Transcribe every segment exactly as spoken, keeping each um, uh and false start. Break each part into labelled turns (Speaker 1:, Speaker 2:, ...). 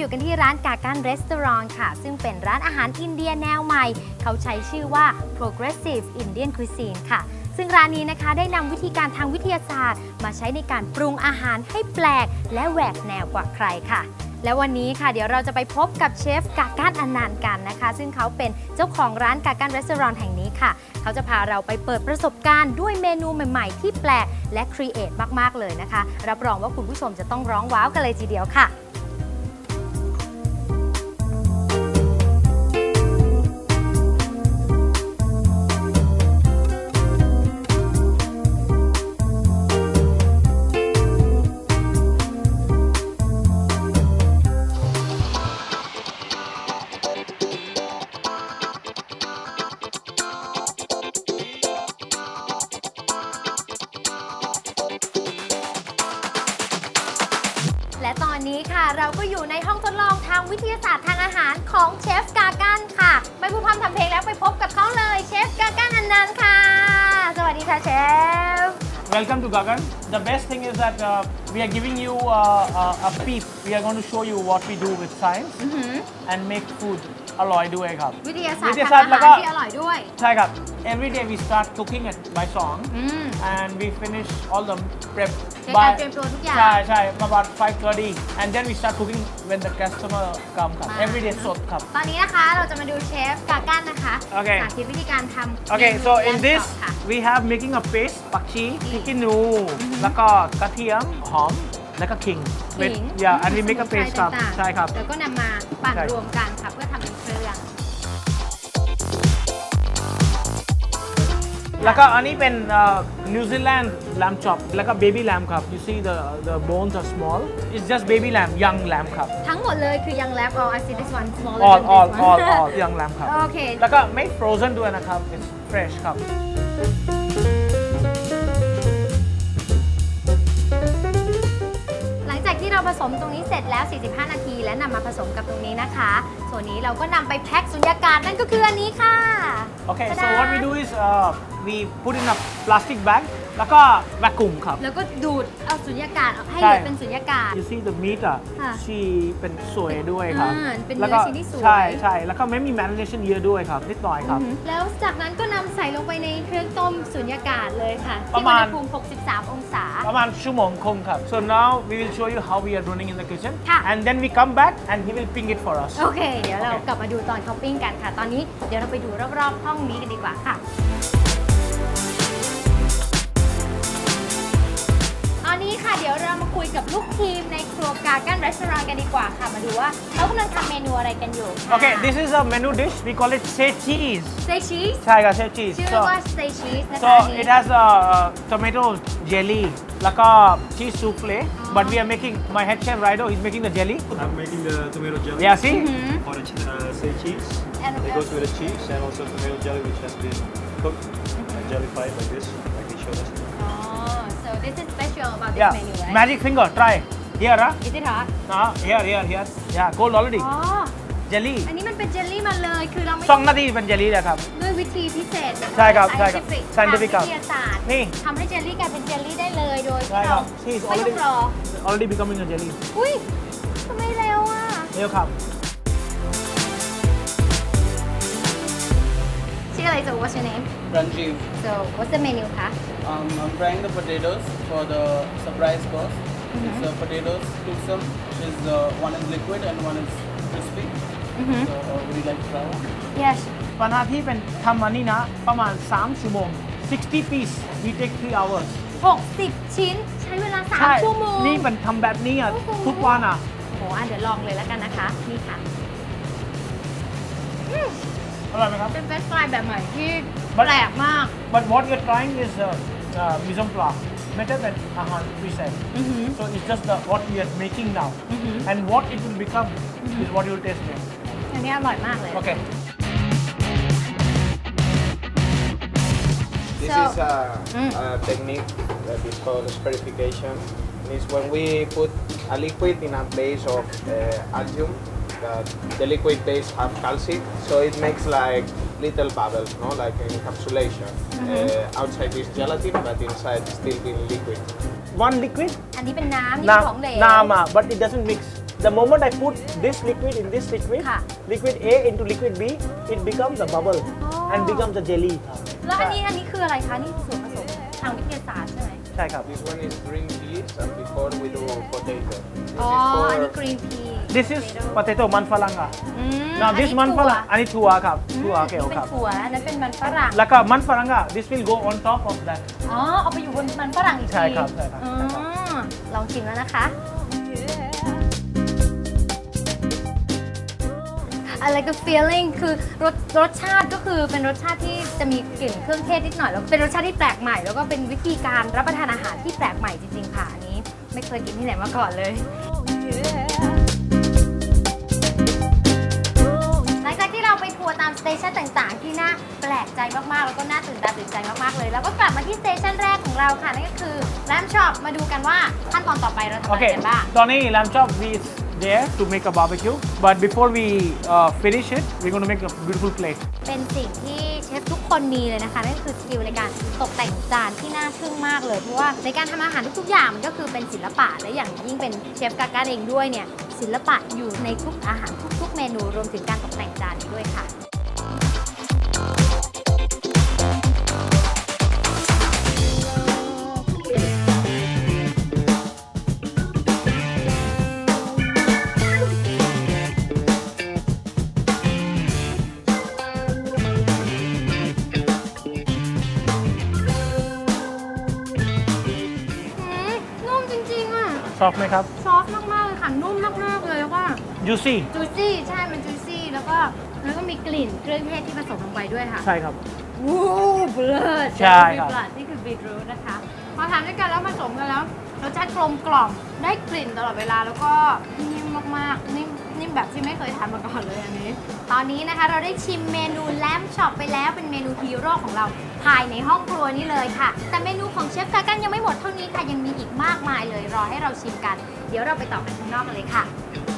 Speaker 1: อยู่กันที่ร้านกากันรีสอร์ทค่ะซึ่งเป็นร้านอาหารอินเดียแนวใหม่เขาใช้ชื่อว่า Progressive Indian Cuisine ค่ะซึ่งร้านนี้นะคะได้นำวิธีการทางวิทยาศาสตร์มาใช้ในการปรุงอาหารให้แปลกและแหวกแนวกว่าใครค่ะและวันนี้ค่ะเดี๋ยวเราจะไปพบกับเชฟกากันอนันต์กันนะคะซึ่งเขาเป็นเจ้าของร้านกากันรีสอร์ทแห่งนี้ค่ะเขาจะพาเราไปเปิดประสบการณ์ด้วยเมนูใหม่ๆที่แปลกและครีเอทมากๆเลยนะคะรับรองว่าคุณผู้ชมจะต้องร้องว้าวกันเลยทีเดียวค่ะและตอนนี้ค่ะเราก็อยู่ในห้องทดลองทางวิทยาศาสตร์ทางอาหารของเชฟกากันค่ะไม่พูดพร่ำทำเพลงแล้วไปพบกับเขาเลยเชฟกากันอนันต์ค่ะสวัสดีค่ะเชฟ
Speaker 2: Welcome to Gagan. The best thing is that uh, we are giving you uh, a, a peep. We are going to show you what we do with science and make food อร่อยด้วยครับ
Speaker 1: วิทยาศาสตร์ทางอาหารที่อร่อยด้วย
Speaker 2: ใช่ครับ Every day we start cooking at by song and we finish all the prep
Speaker 1: ในการเตรียมตัวทุกอย่าง
Speaker 2: ใช่ใช่ about five thirty and then we start cooking when the customer come ครับ Every day สดครับ
Speaker 1: ตอนนี้นะคะเราจะมาดูเชฟกากันนะคะ
Speaker 2: Okay.
Speaker 1: สาธิตวิธีการทำ
Speaker 2: Okay, so in
Speaker 1: เมนู
Speaker 2: this
Speaker 1: ค่ะ
Speaker 2: we have making a paste ผักชีพริกขี้หนูแล้วก็กระเทียมหอมแล้วก็ขิง
Speaker 1: ขิง
Speaker 2: yeah and we make a paste ครับ
Speaker 1: ต่างๆ
Speaker 2: ใช่ครับ
Speaker 1: แล้วก็นำมาปั่น
Speaker 2: ใช่
Speaker 1: รวมกันค่ะเพื่อทำเป็นเครื่อง
Speaker 2: แล้วก็อันนี้เป็น New Zealand lamb chop แล้วก็ baby lamb ครับ you see the the bones are small it's just baby lamb young lamb ครับ
Speaker 1: ทั้งหมดเลยคือยังแลบ all I see this one smaller
Speaker 2: all
Speaker 1: than
Speaker 2: all
Speaker 1: this
Speaker 2: all
Speaker 1: one
Speaker 2: all young lamb ครับ
Speaker 1: โอเค
Speaker 2: แล้วก็ไม่ frozen ด้วยนะครับ it's fresh ครับ
Speaker 1: หลังจากที่เราผสมตรงนี้เสร็จแล้ว สี่สิบห้า นาที และนำมาผสมกับตรงนี้นะคะ ส่วนนี้เราก็นำไปแพ็คสุญญากาศนั่นก็คืออันนี้ค่ะ
Speaker 2: Okay, so
Speaker 1: ตะดา
Speaker 2: what we do is uh, we put in a plastic bag แล้วก็ vacuum ครับ
Speaker 1: แล้วก็ดูดเอาสุญญากาศออกให้
Speaker 2: ใช่
Speaker 1: เหลือเป็นสุญญากาศ
Speaker 2: you see the meat อ่ะ
Speaker 1: ค่ะ
Speaker 2: ชีเป็นสวยด้วยครับ
Speaker 1: อ่าเป็นเนื้อ
Speaker 2: แล้วก็
Speaker 1: ชิ้นที่สวย
Speaker 2: ใช่ใช่แล้วก็ไม่มี marination เยอะด้วยครับ นิดหน่อยครับ
Speaker 1: แล้วจากนั้นก็นำใส่ลงไปในเครื่องต้มสุญญากาศเลยค่ะ
Speaker 2: ประ
Speaker 1: ที่
Speaker 2: มา
Speaker 1: อุ
Speaker 2: ณ
Speaker 1: ณหภูมิ หกสิบสาม องศา
Speaker 2: ประมาณชั่วโมงครึ่งครับ so now we will show you how we are running in the kitchen
Speaker 1: ค่ะ
Speaker 2: and then we come back and he will ping it for us
Speaker 1: โอเค เดี๋ยวเรา
Speaker 2: โอเค
Speaker 1: กลับมาดูตอนเขาปิ้งกันค่ะ ตอนนี้เดี๋ยวเราไปดูรอบๆห้องนี้กันดีกว่าค่ะ ตอนนี้ค่ะเดี๋ยวเรามาคุยกับลูกทีมในครัวกากันรีสอร์ทกันดีกว่าค่ะ มาดูว่าเขากำลังทำเมนูอะไรกันอยู่ค่ะ
Speaker 2: okay this is a menu dish we call it say cheese
Speaker 1: สเตย์ชีส
Speaker 2: ใช่ครับ say cheese
Speaker 1: ชื่อ
Speaker 2: so
Speaker 1: ว่าสเตย์ชีสนะคะ
Speaker 2: so
Speaker 1: อันนี้
Speaker 2: it has a tomato jelly แล้วก็ cheese souffle but we are making my head chef Rido is making the jelly
Speaker 3: I'm making the tomato jelly
Speaker 2: yeah see
Speaker 3: for the uh, say cheese.
Speaker 1: And,
Speaker 3: It goes with the cheese and also tomato jelly which has been cooked and jellified like this, like he showed us.
Speaker 1: Oh, so this is special about this
Speaker 2: yeah
Speaker 1: menu, right?
Speaker 2: magic finger try here huh?
Speaker 1: Is it hot?
Speaker 2: uh, here here here yeah cold already
Speaker 1: อ๋อ
Speaker 2: jelly
Speaker 1: อันนี้มันเป็นเจลลี่มาเลย คือเราไม่
Speaker 2: สองนาทีเป็นเจลลี่แล้วครับ
Speaker 1: ด้วยวิธีพิเศษนะะ
Speaker 2: ใช่ครับใช่ครับ
Speaker 1: scientific
Speaker 2: scientific
Speaker 1: ทางวิทยาศาสตร์
Speaker 2: นี่
Speaker 1: ทำให้เจลลี่กลายเป็นเจลลี่ได้เลย โดย
Speaker 2: ใช่
Speaker 1: ที่
Speaker 2: ครั
Speaker 1: เรา
Speaker 2: บ Cheese
Speaker 1: ไม่ต้อ
Speaker 2: already
Speaker 1: งรอ
Speaker 2: already becoming a jelly
Speaker 1: อุ้ยทำไมเร็วอ่ะ
Speaker 2: เร็วครับ
Speaker 1: ชื่ออะไร so what's your name
Speaker 4: Ranjiv.
Speaker 1: so what's the menu คะ
Speaker 4: Um, I'm frying the potatoes for the surprise course. It's uh, potatoes, cook some, which is uh, one is liquid and one is crispy. So uh, would you like to try one?
Speaker 1: yes
Speaker 2: ปัญหาที่เป็นทำอันนี้นะประมาณสามชั่วโมงsixty piece we take three hours
Speaker 1: หกสิบ ชิ้น ใช้เวลา
Speaker 2: ใช่
Speaker 1: สาม ชั่วโมง
Speaker 2: นี่เป็นทำแบบนี้อ่ะ
Speaker 1: โอ้โห
Speaker 2: ทุกวันอ่ะ
Speaker 1: โอ้โหอ่ะเดี๋ยวลองเลยแล้วกันนะคะ นี่ค่ะ
Speaker 2: อร่อยไหมครับ
Speaker 1: เป็นเฟรนช์ฟรายแบบใหม่ที่
Speaker 2: But-
Speaker 1: แปลกมาก
Speaker 2: but what you're trying is uh, uh, mise en place better than ahan preset so it's just the what we are making now and what it will become is what you will taste next
Speaker 1: อันนี้อร่อยมากเลย
Speaker 2: okay
Speaker 5: This
Speaker 1: So-
Speaker 5: is a, a technique that is called espherification. It's when we put a liquid in a base of uh, algium. That the liquid base have calcium, so it makes like little bubbles, no, like encapsulation. Uh, outside is gelatin, but inside still being liquid.
Speaker 2: one liquid
Speaker 1: อันนี้เป็นน้ำนี่
Speaker 2: น้
Speaker 1: เป็นของเหลว
Speaker 2: ำน้ำอ่ะ but it doesn't mix the moment I put this liquid in this liquid
Speaker 1: ค่ะ
Speaker 2: liquid A into liquid B it becomes a bubble
Speaker 1: อ๋อ
Speaker 2: and becomes a jelly ครับ
Speaker 1: แล้วอันนี้อันนี้คืออะไรคะ นี่ส่วนผสมทางวิทยาศาสตร์ใช่ไหม
Speaker 2: ใช่ครับ
Speaker 5: This one is green peas, and before we do potato. This
Speaker 1: อ๋อ
Speaker 5: is
Speaker 1: อันนี้
Speaker 5: for
Speaker 1: กรีนพี
Speaker 2: this is potato มันฝรั่งอ่ะ
Speaker 1: อืม
Speaker 2: now
Speaker 1: อั
Speaker 2: this มันฝรั่งอันนี้ถั่วครับถั่วโอเค
Speaker 1: นี่เป็
Speaker 2: คน รับ
Speaker 1: ถั่วอันนั้นเป็นมันฝรั่ง
Speaker 2: แล้วก็มันฝรั่งอ่ะ this will go on top of that
Speaker 1: อ๋อ เอาไปอยู่บนมันฝรั่งอีกที
Speaker 2: ใช่ครับใช่ครับ
Speaker 1: อ๋อ
Speaker 2: ใช่ครับ
Speaker 1: ลองชิมแล้วนะคะ อะไรก็ feeling คือรสรสชาติก็คือเป็นรสชาติที่จะมีกลิ่นเครื่องเทศนิดหน่อยแล้วเป็นรสชาติที่แปลกใหม่ แล้วก็เป็นวิธีการรับประทานอาหารที่แปลกใหม่จริงๆค่ะอันนี้ไม่เคยกินที่ไหนมาก่อนเลย หลังจากที่เราไปทัวร์ตามสเตชันต่างๆ ที่น่าแปลกใจมากๆ แล้วก็น่าตื่นตาตื่นใจมากๆเลย แล้วก็กลับมาที่สเตชันแรกของเราค่ะ นั่นก็คือแรมช็อปมาดูกันว่าขั้นตอนต่อไปเราทำอะไร
Speaker 2: Okay,
Speaker 1: กันบ้าง
Speaker 2: ตอนนี้ lamb chop we is there to make a barbecue but before we uh, finish it we're going to make a beautiful plate
Speaker 1: เป็นสิ่งที่เชฟทุกคนมีเลยนะคะ นั่นก็คือสกิลในการตกแต่งจานที่น่าทึ่งมากเลย เพราะว่าในการทำอาหารทุกๆอย่างมันก็คือเป็นศิลปะและอย่างยิ่งเป็นเชฟกาก้าเองด้วยเนี่ยศิลปะอยู่ในทุกอาหารทุกๆเมนูรวมถึงการตกแต่งจานนี้ด้วยค่ะ อืมนุ่มจริงๆอ่ะ
Speaker 2: ชอบไหมครับ
Speaker 1: ซอฟต์มากๆเลยค่ะ นุ่มมากๆเลยแล้วก็
Speaker 2: juicy
Speaker 1: จูซี่ใช่ มันจูซี่แล้วก็แล้วก็มีกลิ่นเครื่องเทศที่ผสมลงไปด้วยค่ะ
Speaker 2: ใช่ครับ
Speaker 1: วู้บเลิศ
Speaker 2: ใช่ครับ
Speaker 1: บลัดนี่คือบีทรูทนะคะ พอทานด้วยกันแล้วผสมกันแล้วรสชาติกลมกล่อมได้กลิ่นตลอดเวลาแล้วก็นิ่มมากๆนิ่มนิ่มแบบที่ไม่เคยทานมาก่อนเลยอันนี้ ตอนนี้นะคะเราได้ชิมเมนูแลมช็อปไปแล้วเป็นเมนูฮีโร่ของเราภายในห้องครัวนี่เลยค่ะ แต่เมนูของเชฟกากันยังไม่หมดเท่านี้ค่ะยังมีอีกมากมายเลยรอให้เราชิมกัน เดี๋ยวเราไปต่อกันข้างนอกกันเลยค่ะ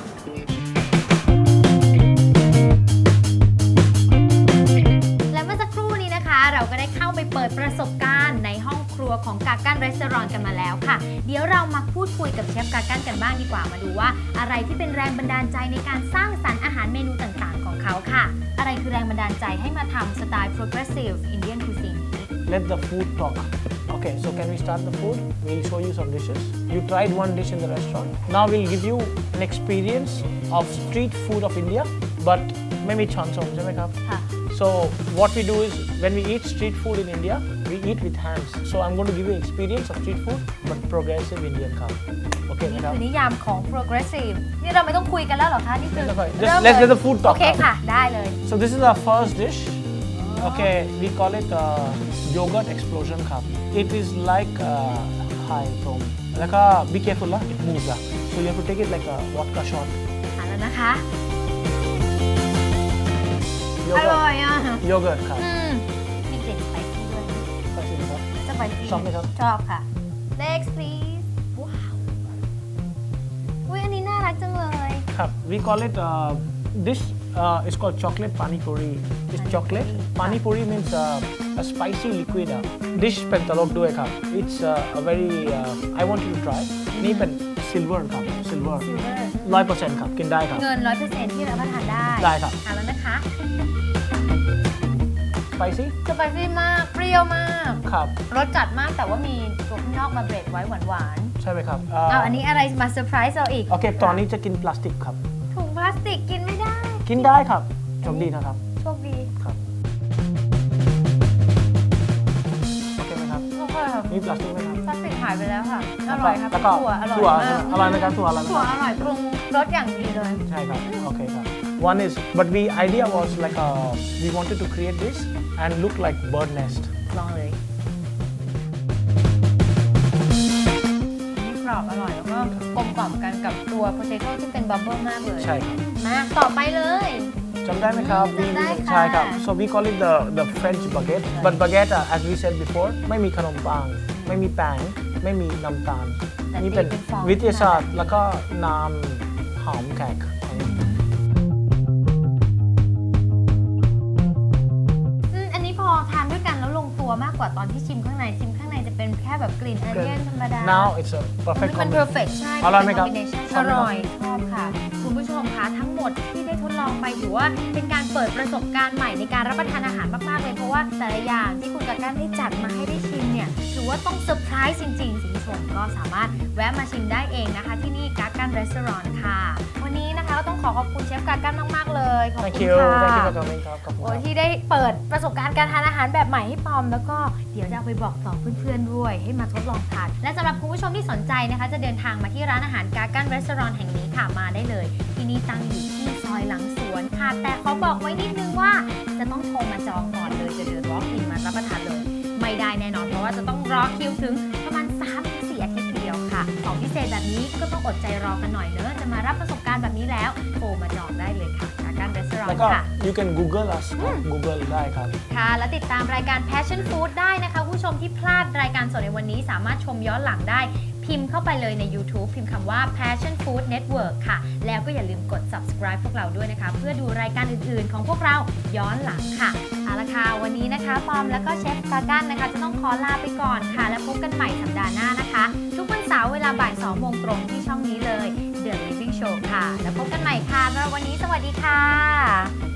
Speaker 1: และเมื่อสักครู่นี้นะคะ เราก็ได้เข้าไปเปิดประสบการณ์ในห้องครัวของกากันรีสอร์ทกันมาแล้วค่ะ เดี๋ยวเรามาพูดคุยกับเชฟกากันกันบ้างดีกว่ามาดูว่า อะไรที่เป็นแรงบันดาลใจในการสร้างสรรค์อาหารเมนูต่างๆ ของเขาค่ะ อะไรคือแรงบันดาลใจให้มาทำสไตล์ progressive Indian cuisine
Speaker 2: let the food talk okay so can we start the food we'll show you some dishes you tried one dish in the restaurant now we'll give you an experience of street food of India but ไม่มีช้อนส้อมใช่ไหมครับ
Speaker 1: ค่ะ
Speaker 2: So what we do is when we eat street food in India, we eat with hands. So I'm going to give you experience of street food, but progressive Indian cup. Okay,
Speaker 1: นี่
Speaker 2: madam?
Speaker 1: คือนิยามของ progressive นี่เราไม่ต้องคุยกันแล้วเหรอคะ นี่คือ
Speaker 2: Just
Speaker 1: เริ่ม
Speaker 2: let's
Speaker 1: เลย
Speaker 2: let the food talk
Speaker 1: โอเค
Speaker 2: now.
Speaker 1: ค่ะ ได้เลย
Speaker 2: So this is our first dish. Okay, we call it uh, yogurt explosion cup. It is like uh, high foam. Like a, be careful, lah. It moves lah. So you have to take it like a vodka shot.
Speaker 1: ทานแล้วนะคะ อ
Speaker 2: Yogurt.
Speaker 1: ร่อยอ่ะ
Speaker 2: Yogurt cup.
Speaker 1: อืมมีกลิ่นสไปซี่ด้วย
Speaker 2: Spicy, huh?
Speaker 1: สไปซี่
Speaker 2: ชอบไหมครับ
Speaker 1: ชอบค่ะ next please ว้าวอุ้ยอันนี้น่ารักจังเลย
Speaker 2: Cup. We call it uh, this uh, is called chocolate pani puri. It's
Speaker 1: Pani
Speaker 2: chocolate.
Speaker 1: puri.
Speaker 2: Pani puri means uh, a spicy liquid. Uh, dish เป็นตลกด้วยครับ It's uh, a very uh, I want you to try. นี่เป็น silver ครับ silver.
Speaker 1: silver
Speaker 2: ร้อยเปอร์เซ็นต์ครับกินได้ครับ
Speaker 1: เงิน ร้อยเปอร์เซ็นต์ ที่รับประทานได้
Speaker 2: ได้ครับ
Speaker 1: ทานแล้วนะคะ
Speaker 2: spicy
Speaker 1: สไปซี่มาก เปรี้ยวมาก
Speaker 2: ครับ
Speaker 1: รสจัดมากแต่ว่ามีตัวข้างนอกมาเบรดไว้หวาน
Speaker 2: ใช่ไหมครับ
Speaker 1: ๆเอาอันนี้อะไรมาเซอร์ไพรส์เราอีก
Speaker 2: โอเค ตอนนี้จะกินพลาสติกครับ
Speaker 1: ถุงพลาสติกกินไม่ได้
Speaker 2: กินได้ครับโชคดีนะครับ
Speaker 1: โชคดี
Speaker 2: ครับ โอเคไหมครับ
Speaker 1: โอเคค่ะ
Speaker 2: มีพลาสติกไหมครับ
Speaker 1: พลาสติกหายไปแล้วค่ะ อร่อยครับ
Speaker 2: แล้วก็
Speaker 1: ถั่วอร่อย
Speaker 2: ถั่ว
Speaker 1: มาก
Speaker 2: อร่อยไหมครับถั่วอร่อยไหม
Speaker 1: ถั่ว
Speaker 2: ครับ
Speaker 1: อร่อยปรุงรสอย่างดีเลย
Speaker 2: ใช่ครับ โอเคครับ one is but we idea was like a we wanted to create this and look like bird nest
Speaker 1: ลองเลยนี่กรอบอร่อยแล้วก็กลมกล่อมกันกับตัวโพเทโต้ที่เป็นบับเบิ้ลมากเลย
Speaker 2: ใช่ครับ
Speaker 1: มาต่อไปเลย
Speaker 2: จำได้ไหมครับ
Speaker 1: จำได้ค่ะ
Speaker 2: ใช่ครับ so we call it the the French baguette but baguette uh, as we said before ไม่มีขนมปังไม่มีแป้งไม่มีน้ำตาล
Speaker 1: แต่
Speaker 2: นี่เป็น
Speaker 1: เป็นฟอง
Speaker 2: วิทยาศาสตร์แล้วก็น้ำหอมแขก
Speaker 1: อืมอันนี้พอทานด้วยกันแล้วลงตัวมากกว่าตอนที่ชิมข้างในชิมข้างในจะเป็นแค่แบบกลิ่นออนเนียนธรรมดา
Speaker 2: Now it's a perfect
Speaker 1: มัน
Speaker 2: combination.
Speaker 1: perfect ใช่
Speaker 2: อร่อยไหมครับ
Speaker 1: เป็น combination
Speaker 2: ชอบไหมครับ
Speaker 1: อร่อยชอบค่ะ คุณผู้ชมคะทั้งหมดที่ได้ทดลองไปถือว่าเป็นการเปิดประสบการณ์ใหม่ในการรับประทานอาหารมากๆเลยเพราะว่าแต่ละอย่างที่คุณกาก้านได้จัดมาให้ได้ชิมเนี่ยถือว่าต้องเซอร์ไพรส์จริงๆคุณผู้ชมก็สามารถแวะมาชิมได้เองนะคะที่นี่กาก้านรีสอร์ทค่ะวันนี้นะคะก็ต้องขอขอบคุณเชฟกาก้านมากๆเลยขอบ
Speaker 2: Thank
Speaker 1: คุณ
Speaker 2: you.
Speaker 1: ค่ะ
Speaker 2: Thank you for coming. ครับขอบคุณ
Speaker 1: โอ้
Speaker 2: ค
Speaker 1: ย
Speaker 2: รับ
Speaker 1: ที่ได้เปิดประสบการณ์การทานอาหารแบบใหม่ให้ปอม แล้วก็เดี๋ยวจะเอาไปบอกต่อเพื่อนๆด้วยให้มาทดลองทานและสำหรับคุณผู้ชมที่สนใจนะคะจะเดินทางมาที่ร้านอาหารกาก้านรีสอร์ทแห่งนี้ค่ะมาได้เลยที่นี่ตั้งอยู่ที่ซอยหลังสวนค่ะแต่ขอบอกไว้นิดนึงว่าจะต้องโทรมาจองก่อนเลยจะเดิน walk in มารับประทานเลยไม่ได้แน่นอนเพราะว่าจะต้องรอคิวถึงประมาณ สามถึงสี่ อาทิตย์เดียวค่ะของพิเศษแบบนี้ก็ต้องอดใจรอกันหน่อยเนอะจะมารับประสบการณ์แบบนี้แล้วโทรมาจองได้เลยค่ะกาก้านรีสอ
Speaker 2: แล้ว
Speaker 1: ร์ท
Speaker 2: ก็
Speaker 1: ค่ะ
Speaker 2: you can Google us Google ได้ครับ
Speaker 1: ค่ะ และติดตามรายการ Passion Food ได้นะคะผู้ชมที่พลาดรายการสดในวันนี้สามารถชมย้อนหลังได้พิมพ์เข้าไปเลยใน YouTube พิมพ์คำว่า Passion Food Network ค่ะ แล้วก็อย่าลืมกด subscribe พวกเราด้วยนะคะ เพื่อดูรายการอื่นๆ ของพวกเราย้อนหลังค่ะเอาละค่ะวันนี้นะคะปอมแล้วก็เชฟกากันนะคะจะต้องขอลาไปก่อนค่ะ แล้วพบกันใหม่สัปดาห์หน้านะคะ ทุกวันเสาร์เวลาบ่ายสองโมงตรงที่ช่องนี้เลย The Living Show ค่ะ แล้วพบกันใหม่ค่ะสำหรับวันนี้สวัสดีค่ะ